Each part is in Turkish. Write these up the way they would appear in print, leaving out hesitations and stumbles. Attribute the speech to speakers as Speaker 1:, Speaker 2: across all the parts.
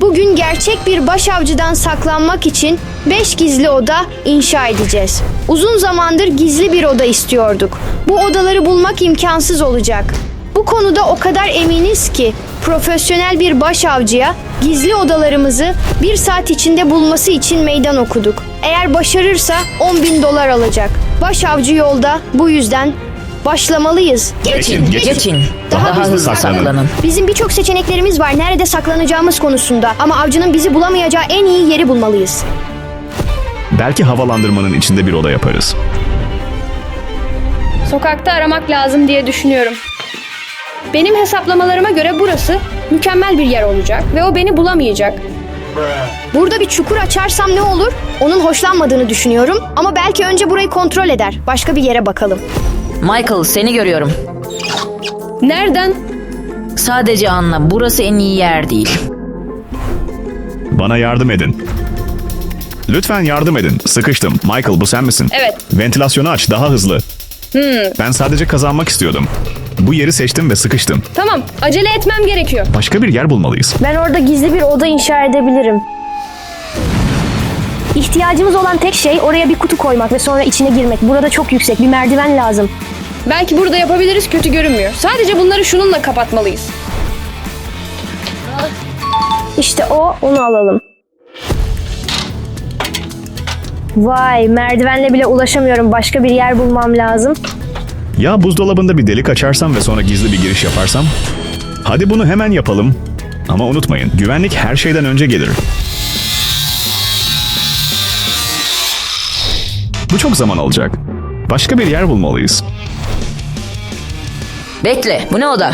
Speaker 1: Bugün gerçek bir başavcıdan saklanmak için 5 gizli oda inşa edeceğiz. Uzun zamandır gizli bir oda istiyorduk. Bu odaları bulmak imkansız olacak. Bu konuda o kadar eminiz ki profesyonel bir başavcıya gizli odalarımızı 1 saat içinde bulması için meydan okuduk. Eğer başarırsa $10.000 alacak. Başavcı yolda, bu yüzden başlamalıyız.
Speaker 2: Geçin. Daha hızlı saklanın.
Speaker 1: Bizim birçok seçeneklerimiz var nerede saklanacağımız konusunda ama avcının bizi bulamayacağı en iyi yeri bulmalıyız.
Speaker 3: Belki havalandırmanın içinde bir oda yaparız.
Speaker 4: Sokakta aramak lazım diye düşünüyorum. Benim hesaplamalarıma göre burası mükemmel bir yer olacak ve o beni bulamayacak.
Speaker 1: Burada bir çukur açarsam ne olur? Onun hoşlanmadığını düşünüyorum ama belki önce burayı kontrol eder. Başka bir yere bakalım.
Speaker 2: Michael, seni görüyorum.
Speaker 4: Nereden?
Speaker 2: Sadece anla, burası en iyi yer değil.
Speaker 3: Bana yardım edin. Lütfen yardım edin. Sıkıştım. Michael, bu sen misin?
Speaker 4: Evet.
Speaker 3: Ventilasyonu aç, daha hızlı. Ben sadece kazanmak istiyordum. Bu yeri seçtim ve sıkıştım.
Speaker 4: Tamam, acele etmem gerekiyor.
Speaker 3: Başka bir yer bulmalıyız.
Speaker 1: Ben orada gizli bir oda inşa edebilirim. İhtiyacımız olan tek şey oraya bir kutu koymak ve sonra içine girmek. Burada çok yüksek bir merdiven lazım.
Speaker 4: Belki burada yapabiliriz, kötü görünmüyor. Sadece bunları şununla kapatmalıyız.
Speaker 1: İşte onu alalım. Vay, merdivenle bile ulaşamıyorum. Başka bir yer bulmam lazım.
Speaker 3: Ya buzdolabında bir delik açarsam ve sonra gizli bir giriş yaparsam? Hadi bunu hemen yapalım. Ama unutmayın, güvenlik her şeyden önce gelir. Bu çok zaman alacak. Başka bir yer bulmalıyız.
Speaker 2: Bekle, bu ne oda?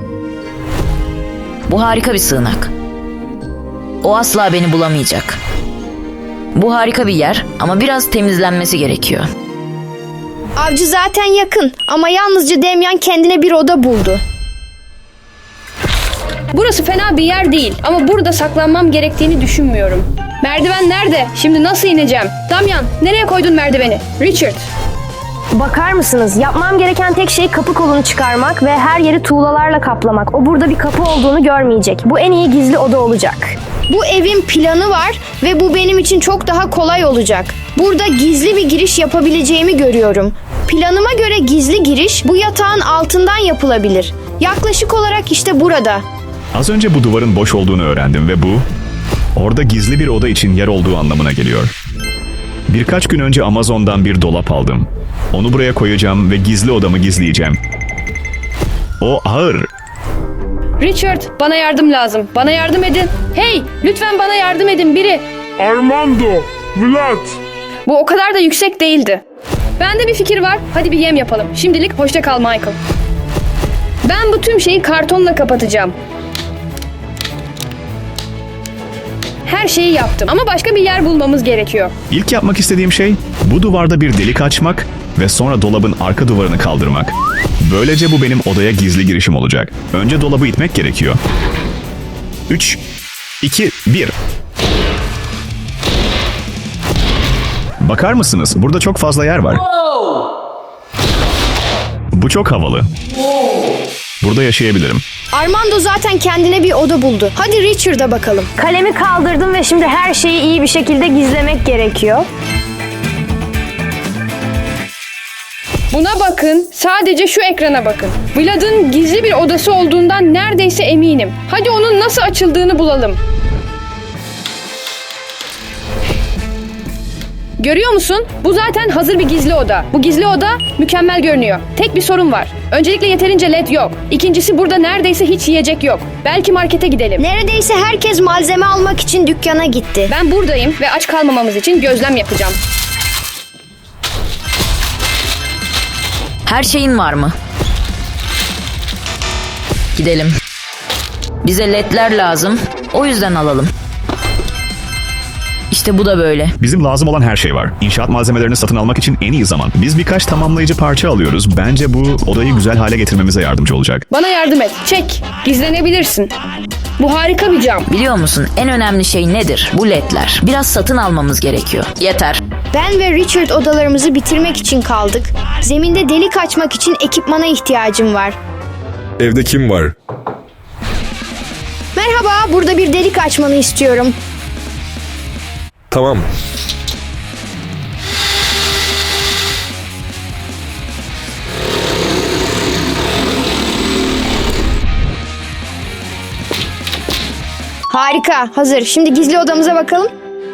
Speaker 2: Bu harika bir sığınak. O asla beni bulamayacak. Bu harika bir yer ama biraz temizlenmesi gerekiyor.
Speaker 1: Avcı zaten yakın ama yalnızca Damian kendine bir oda buldu.
Speaker 4: Burası fena bir yer değil ama burada saklanmam gerektiğini düşünmüyorum. Merdiven nerede? Şimdi nasıl ineceğim? Damian, nereye koydun merdiveni? Richard.
Speaker 1: Bakar mısınız? Yapmam gereken tek şey kapı kolunu çıkarmak ve her yeri tuğlalarla kaplamak. O burada bir kapı olduğunu görmeyecek. Bu en iyi gizli oda olacak. Bu evin planı var ve bu benim için çok daha kolay olacak. Burada gizli bir giriş yapabileceğimi görüyorum. Planıma göre gizli giriş bu yatağın altından yapılabilir. Yaklaşık olarak işte burada.
Speaker 3: Az önce bu duvarın boş olduğunu öğrendim ve bu, orada gizli bir oda için yer olduğu anlamına geliyor. Birkaç gün önce Amazon'dan bir dolap aldım. Onu buraya koyacağım ve gizli odamı gizleyeceğim. O ağır.
Speaker 4: Richard, bana yardım lazım. Bana yardım edin. Hey, lütfen bana yardım edin biri.
Speaker 5: Armando, Vlad.
Speaker 4: Bu o kadar da yüksek değildi. Bende bir fikir var. Hadi bir yem yapalım. Şimdilik hoşça kal Michael. Ben bu tüm şeyi kartonla kapatacağım. Her şeyi yaptım ama başka bir yer bulmamız gerekiyor.
Speaker 3: İlk yapmak istediğim şey bu duvarda bir delik açmak ve sonra dolabın arka duvarını kaldırmak. Böylece bu benim odaya gizli girişim olacak. Önce dolabı itmek gerekiyor. 3, 2, 1. Bakar mısınız? Burada çok fazla yer var. Bu çok havalı. Burada yaşayabilirim.
Speaker 1: Armando zaten kendine bir oda buldu. Hadi Richard'a bakalım. Kalemi kaldırdım ve şimdi her şeyi iyi bir şekilde gizlemek gerekiyor.
Speaker 4: Buna bakın. Sadece şu ekrana bakın. Vlad'ın gizli bir odası olduğundan neredeyse eminim. Hadi onun nasıl açıldığını bulalım. Görüyor musun? Bu zaten hazır bir gizli oda. Bu gizli oda mükemmel görünüyor. Tek bir sorun var. Öncelikle yeterince led yok. İkincisi burada neredeyse hiç yiyecek yok. Belki markete gidelim.
Speaker 1: Neredeyse herkes malzeme almak için dükkana gitti.
Speaker 4: Ben buradayım ve aç kalmamamız için gözlem yapacağım.
Speaker 2: Her şeyin var mı? Gidelim. Bize ledler lazım. O yüzden alalım. İşte bu da böyle.
Speaker 3: Bizim lazım olan her şey var. İnşaat malzemelerini satın almak için en iyi zaman. Biz birkaç tamamlayıcı parça alıyoruz. Bence bu odayı güzel hale getirmemize yardımcı olacak.
Speaker 4: Bana yardım et. Çek. Gizlenebilirsin. Bu harika bir cam.
Speaker 2: Biliyor musun en önemli şey nedir? Bu ledler. Biraz satın almamız gerekiyor. Yeter.
Speaker 1: Ben ve Richard odalarımızı bitirmek için kaldık. Zeminde delik açmak için ekipmana ihtiyacım var.
Speaker 5: Evde kim var?
Speaker 1: Merhaba, burada bir delik açmanı istiyorum.
Speaker 6: Tamam.
Speaker 1: Harika, hazır. Şimdi gizli odamıza bakalım.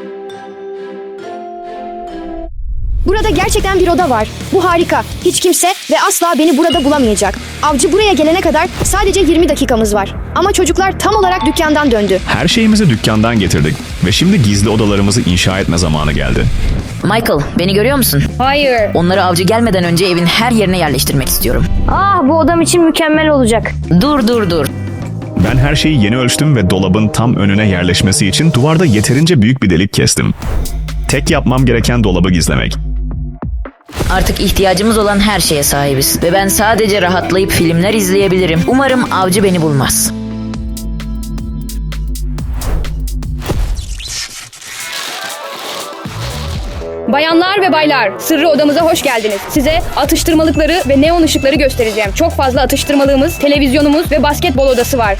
Speaker 1: Burada gerçekten bir oda var. Bu harika. Hiç kimse ve asla beni burada bulamayacak. Avcı buraya gelene kadar sadece 20 dakikamız var. Ama çocuklar tam olarak dükkandan döndü.
Speaker 3: Her şeyimizi dükkandan getirdik ve şimdi gizli odalarımızı inşa etme zamanı geldi.
Speaker 2: Michael, beni görüyor musun?
Speaker 4: Hayır.
Speaker 2: Onları avcı gelmeden önce evin her yerine yerleştirmek istiyorum.
Speaker 1: Ah, bu odam için mükemmel olacak.
Speaker 2: Dur.
Speaker 3: Ben her şeyi yeni ölçtüm ve dolabın tam önüne yerleşmesi için duvarda yeterince büyük bir delik kestim. Tek yapmam gereken dolabı gizlemek.
Speaker 2: Artık ihtiyacımız olan her şeye sahibiz. Ve ben sadece rahatlayıp filmler izleyebilirim. Umarım avcı beni bulmaz.
Speaker 4: Bayanlar ve baylar, sırrı odamıza hoş geldiniz. Size atıştırmalıkları ve neon ışıkları göstereceğim. Çok fazla atıştırmalığımız, televizyonumuz ve basketbol odası var.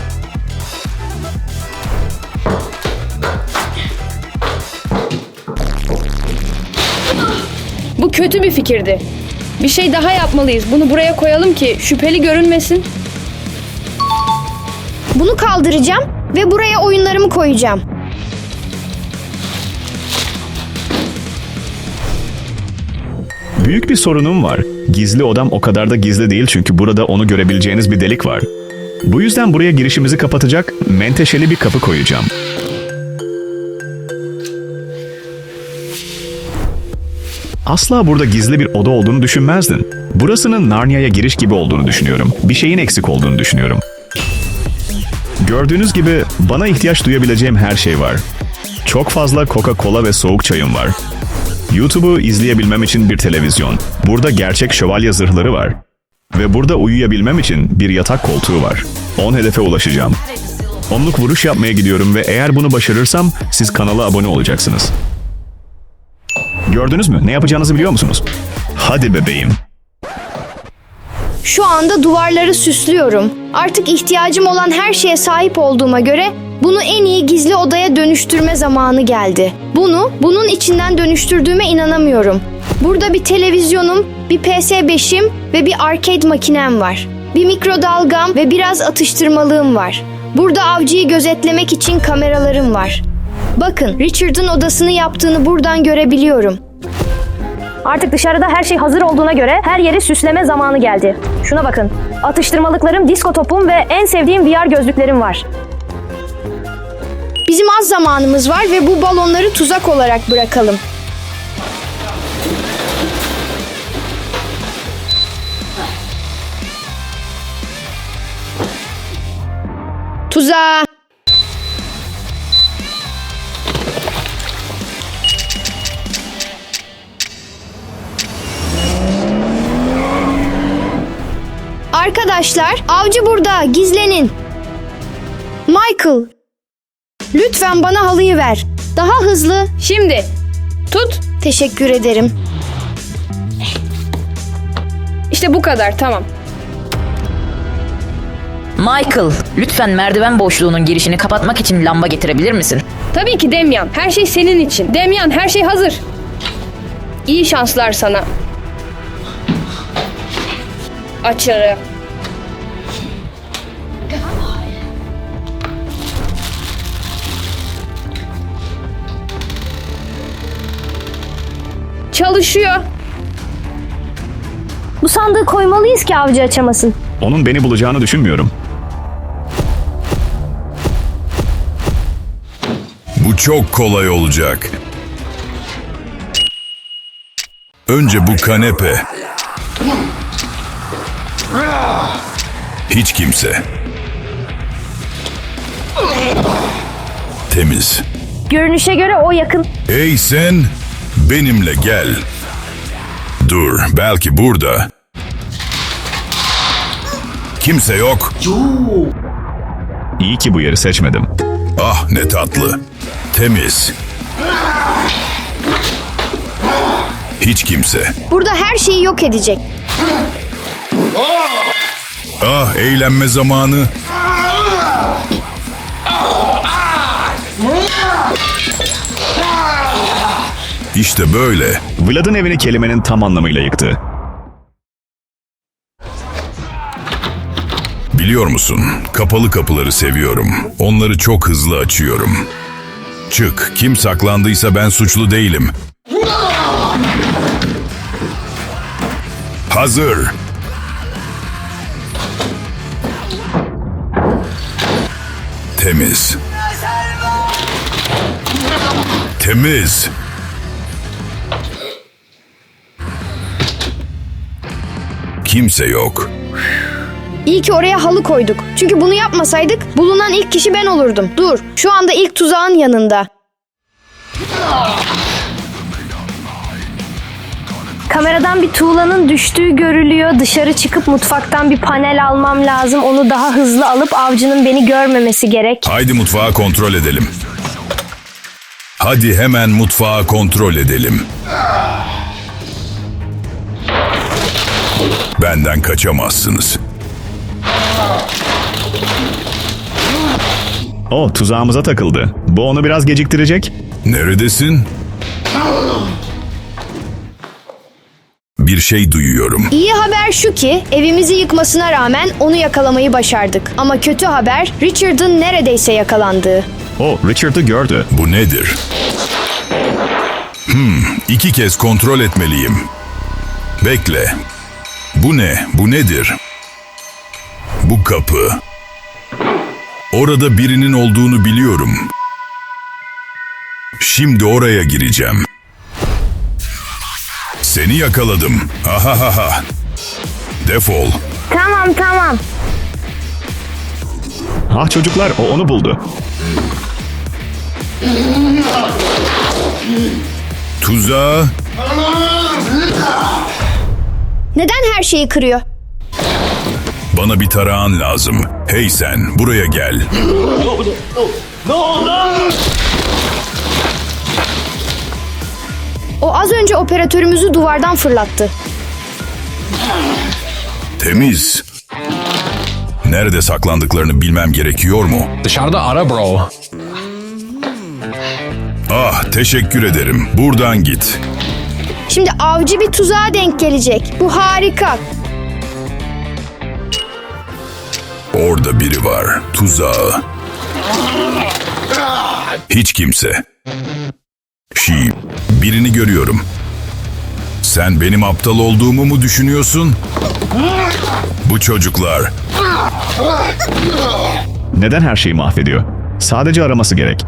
Speaker 4: Bu kötü bir fikirdi. Bir şey daha yapmalıyız. Bunu buraya koyalım ki şüpheli görünmesin.
Speaker 1: Bunu kaldıracağım ve buraya oyunlarımı koyacağım.
Speaker 3: Büyük bir sorunum var. Gizli odam o kadar da gizli değil çünkü burada onu görebileceğiniz bir delik var. Bu yüzden buraya girişimizi kapatacak menteşeli bir kapı koyacağım. Asla burada gizli bir oda olduğunu düşünmezdin. Burasının Narnia'ya giriş gibi olduğunu düşünüyorum. Bir şeyin eksik olduğunu düşünüyorum. Gördüğünüz gibi bana ihtiyaç duyabileceğim her şey var. Çok fazla Coca-Cola ve soğuk çayım var. YouTube'u izleyebilmem için bir televizyon. Burada gerçek şövalye zırhları var. Ve burada uyuyabilmem için bir yatak koltuğu var. 10 hedefe ulaşacağım. 10'luk vuruş yapmaya gidiyorum ve eğer bunu başarırsam siz kanala abone olacaksınız. Gördünüz mü? Ne yapacağınızı biliyor musunuz? Hadi bebeğim.
Speaker 1: Şu anda duvarları süslüyorum. Artık ihtiyacım olan her şeye sahip olduğuma göre bunu en iyi gizli odaya dönüştürme zamanı geldi. Bunun içinden dönüştürdüğüme inanamıyorum. Burada bir televizyonum, bir PS5'im ve bir arcade makinem var. Bir mikrodalgam ve biraz atıştırmalığım var. Burada avcıyı gözetlemek için kameralarım var. Bakın, Richard'ın odasını yaptığını buradan görebiliyorum.
Speaker 7: Artık dışarıda her şey hazır olduğuna göre her yeri süsleme zamanı geldi. Şuna bakın. Atıştırmalıklarım, disko topum ve en sevdiğim VR gözlüklerim var.
Speaker 1: Bizim az zamanımız var ve bu balonları tuzak olarak bırakalım. Tuzağa. Arkadaşlar, avcı burada, gizlenin. Michael, lütfen bana halıyı ver. Daha hızlı.
Speaker 4: Şimdi tut.
Speaker 1: Teşekkür ederim.
Speaker 4: İşte bu kadar, tamam.
Speaker 2: Michael, lütfen merdiven boşluğunun girişini kapatmak için lamba getirebilir misin?
Speaker 4: Tabii ki Damian. Her şey senin için. Damian, her şey hazır. İyi şanslar sana. Açarı. Çalışıyor.
Speaker 7: Bu sandığı koymalıyız ki avcı açamasın.
Speaker 3: Onun beni bulacağını düşünmüyorum.
Speaker 8: Bu çok kolay olacak. Önce bu kanepe. Hiç kimse. Temiz.
Speaker 7: Görünüşe göre o yakın.
Speaker 8: Hey sen, benimle gel. Dur, belki burada. Kimse yok.
Speaker 3: İyi ki bu yeri seçmedim.
Speaker 8: Ah ne tatlı. Temiz. Hiç kimse.
Speaker 1: Burada her şeyi yok edecek.
Speaker 8: Ah eğlenme zamanı. İşte böyle.
Speaker 3: Vlad'ın evini kelimenin tam anlamıyla yıktı.
Speaker 8: Biliyor musun? Kapalı kapıları seviyorum. Onları çok hızlı açıyorum. Çık. Kim saklandıysa ben suçlu değilim. Hazır. Temiz. Temiz. Kimse yok.
Speaker 1: İyi ki oraya halı koyduk. Çünkü bunu yapmasaydık bulunan ilk kişi ben olurdum. Dur, şu anda ilk tuzağın yanında.
Speaker 7: Kameradan bir tuğlanın düştüğü görülüyor. Dışarı çıkıp mutfaktan bir panel almam lazım. Onu daha hızlı alıp avcının beni görmemesi gerek.
Speaker 8: Haydi mutfağı kontrol edelim. Hadi hemen mutfağı kontrol edelim. Benden kaçamazsınız.
Speaker 3: O tuzağımıza takıldı. Bu onu biraz geciktirecek.
Speaker 8: Neredesin? Bir şey duyuyorum.
Speaker 1: İyi haber şu ki evimizi yıkmasına rağmen onu yakalamayı başardık. Ama kötü haber Richard'ın neredeyse yakalandığı.
Speaker 3: O Richard'ı gördü.
Speaker 8: Bu nedir? 2 kez kontrol etmeliyim. Bekle. Bu ne? Bu nedir? Bu kapı. Orada birinin olduğunu biliyorum. Şimdi oraya gireceğim. Seni yakaladım. Ahahaha. Defol.
Speaker 7: Tamam.
Speaker 3: Ah çocuklar, o onu buldu.
Speaker 8: Tuzağa.
Speaker 1: Neden her şeyi kırıyor?
Speaker 8: Bana bir tarağın lazım. Hey sen, buraya gel.
Speaker 1: O az önce operatörümüzü duvardan fırlattı.
Speaker 8: Temiz. Nerede saklandıklarını bilmem gerekiyor mu?
Speaker 6: Dışarıda ara bro.
Speaker 8: Ah, teşekkür ederim. Buradan git.
Speaker 1: Şimdi avcı bir tuzağa denk gelecek. Bu harika.
Speaker 8: Orada biri var. Tuzağı. Hiç kimse. Birini görüyorum. Sen benim aptal olduğumu mu düşünüyorsun? Bu çocuklar.
Speaker 3: Neden her şeyi mahvediyor? Sadece araması gerek.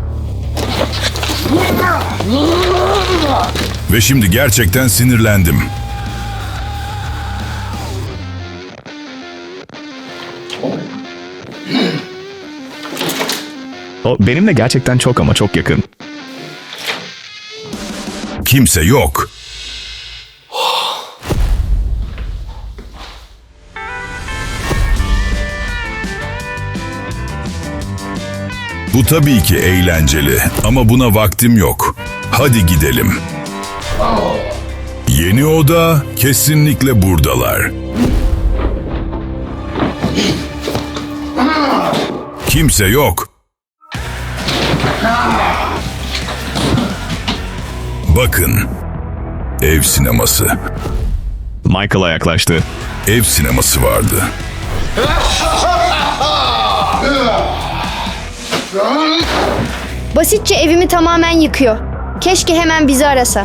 Speaker 8: Ve şimdi gerçekten sinirlendim.
Speaker 3: O benimle gerçekten çok ama çok yakın.
Speaker 8: Kimse yok. Bu tabii ki eğlenceli ama buna vaktim yok. Hadi gidelim. Yeni oda kesinlikle buradalar. Kimse yok. Bakın. Ev sineması.
Speaker 3: Michael'a yaklaştı.
Speaker 8: Ev sineması vardı.
Speaker 1: Basitçe evimi tamamen yıkıyor. Keşke hemen bizi arasa.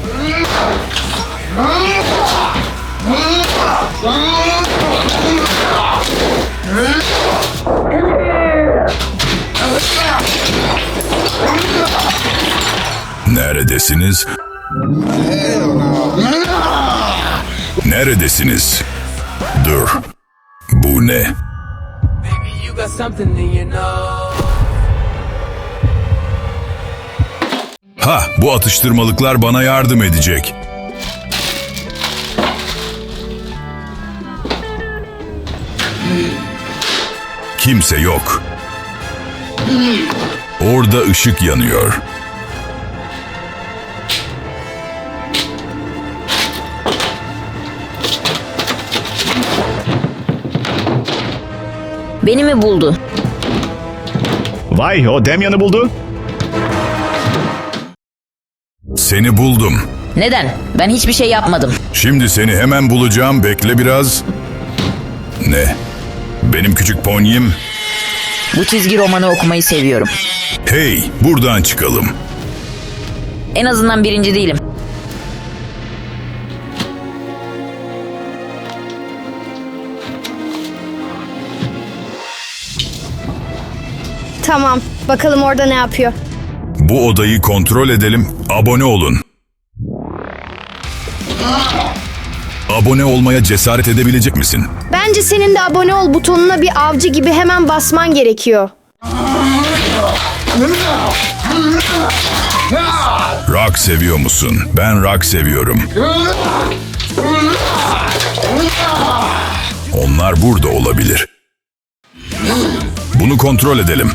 Speaker 8: Neredesiniz? Neredesiniz? Dur. Bu ne?
Speaker 9: You got something in your nose.
Speaker 8: Ha, bu atıştırmalıklar bana yardım edecek. Kimse yok. Orada ışık yanıyor.
Speaker 2: Beni mi buldu?
Speaker 3: Vay, o Damian'ı buldu.
Speaker 8: Seni buldum.
Speaker 2: Neden? Ben hiçbir şey yapmadım.
Speaker 8: Şimdi seni hemen bulacağım. Bekle biraz. Ne? Benim küçük ponyim.
Speaker 2: Bu çizgi romanı okumayı seviyorum.
Speaker 8: Hey, buradan çıkalım.
Speaker 2: En azından birinci değilim.
Speaker 1: Tamam, bakalım orada ne yapıyor.
Speaker 8: Bu odayı kontrol edelim. Abone olun. Abone olmaya cesaret edebilecek misin?
Speaker 1: Bence senin de abone ol butonuna bir avcı gibi hemen basman gerekiyor.
Speaker 8: Rock seviyor musun? Ben rock seviyorum. Onlar burada olabilir. Bunu kontrol edelim.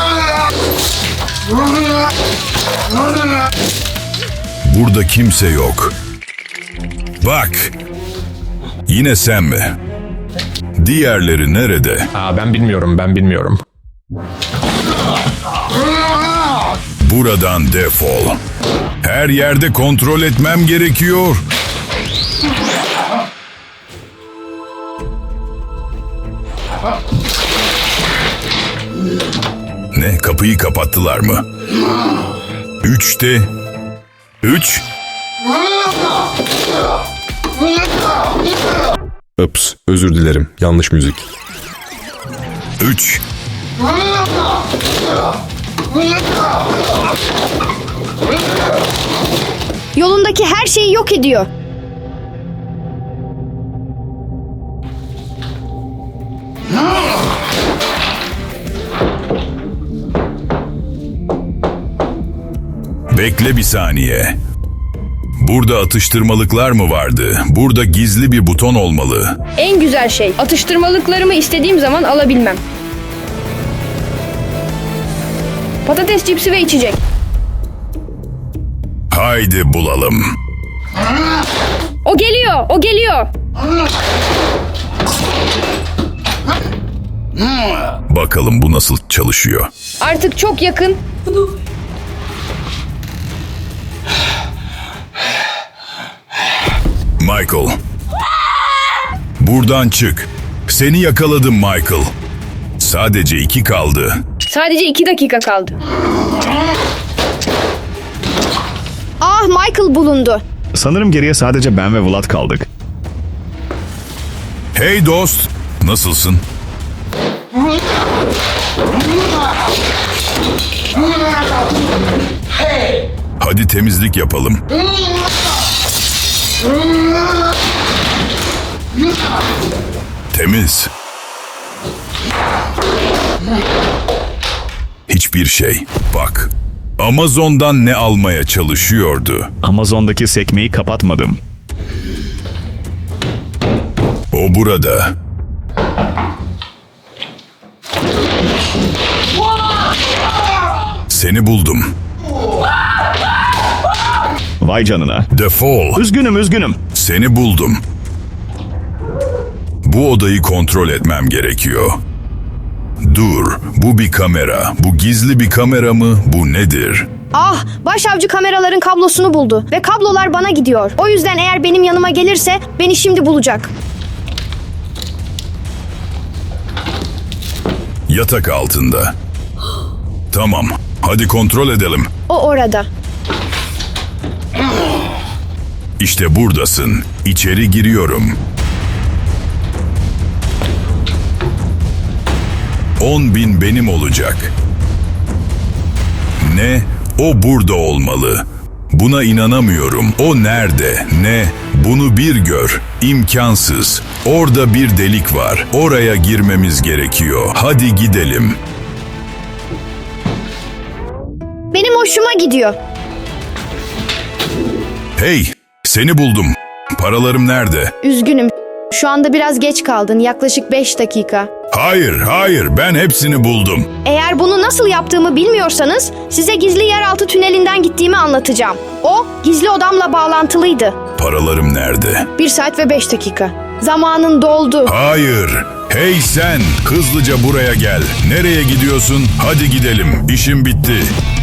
Speaker 8: Burada kimse yok. Bak. Yine sen mi? Diğerleri nerede?
Speaker 5: Ben bilmiyorum.
Speaker 8: Buradan defol. Her yerde kontrol etmem gerekiyor. Ne? Kapıyı kapattılar mı? 3'te 3.
Speaker 6: Ups, özür dilerim. Yanlış müzik.
Speaker 8: 3.
Speaker 1: Yolundaki her şeyi yok ediyor.
Speaker 8: Bekle bir saniye. Burada atıştırmalıklar mı vardı? Burada gizli bir buton olmalı.
Speaker 4: En güzel şey, atıştırmalıklarımı istediğim zaman alabilmem. Patates cipsi ve içecek.
Speaker 8: Haydi bulalım.
Speaker 4: O geliyor.
Speaker 8: Bakalım bu nasıl çalışıyor.
Speaker 4: Artık çok yakın.
Speaker 8: Michael. Buradan çık. Seni yakaladım Michael. Sadece 2 kaldı.
Speaker 4: Sadece 2 dakika kaldı.
Speaker 1: Ah, Michael bulundu.
Speaker 3: Sanırım geriye sadece ben ve Vlad kaldık.
Speaker 8: Hey dost. Nasılsın? Hadi temizlik yapalım. Temiz. Hiçbir şey. Bak. Amazon'dan ne almaya çalışıyordu?
Speaker 3: Amazon'daki sekmeyi kapatmadım.
Speaker 8: O burada. Seni buldum.
Speaker 3: Vay canına.
Speaker 8: Defol.
Speaker 3: Üzgünüm.
Speaker 8: Seni buldum. Bu odayı kontrol etmem gerekiyor. Dur, bu bir kamera. Bu gizli bir kamera mı? Bu nedir?
Speaker 1: Ah, başavcı kameraların kablosunu buldu ve kablolar bana gidiyor. O yüzden eğer benim yanıma gelirse beni şimdi bulacak.
Speaker 8: Yatak altında. Tamam, hadi kontrol edelim.
Speaker 1: O orada.
Speaker 8: İşte buradasın. İçeri giriyorum. 10.000 benim olacak. Ne? O burada olmalı. Buna inanamıyorum. O nerede? Ne? Bunu bir gör. İmkansız. Orada bir delik var. Oraya girmemiz gerekiyor. Hadi gidelim.
Speaker 1: Benim hoşuma gidiyor.
Speaker 8: Hey, seni buldum. Paralarım nerede?
Speaker 1: Üzgünüm. Şu anda biraz geç kaldın. Yaklaşık 5 dakika.
Speaker 8: Hayır, ben hepsini buldum.
Speaker 1: Eğer bunu nasıl yaptığımı bilmiyorsanız size gizli yeraltı tünelinden gittiğimi anlatacağım. O gizli odamla bağlantılıydı.
Speaker 8: Paralarım nerede?
Speaker 1: 1 saat ve 5 dakika. Zamanın doldu.
Speaker 8: Hayır. Hey sen, hızlıca buraya gel. Nereye gidiyorsun? Hadi gidelim. İşim bitti.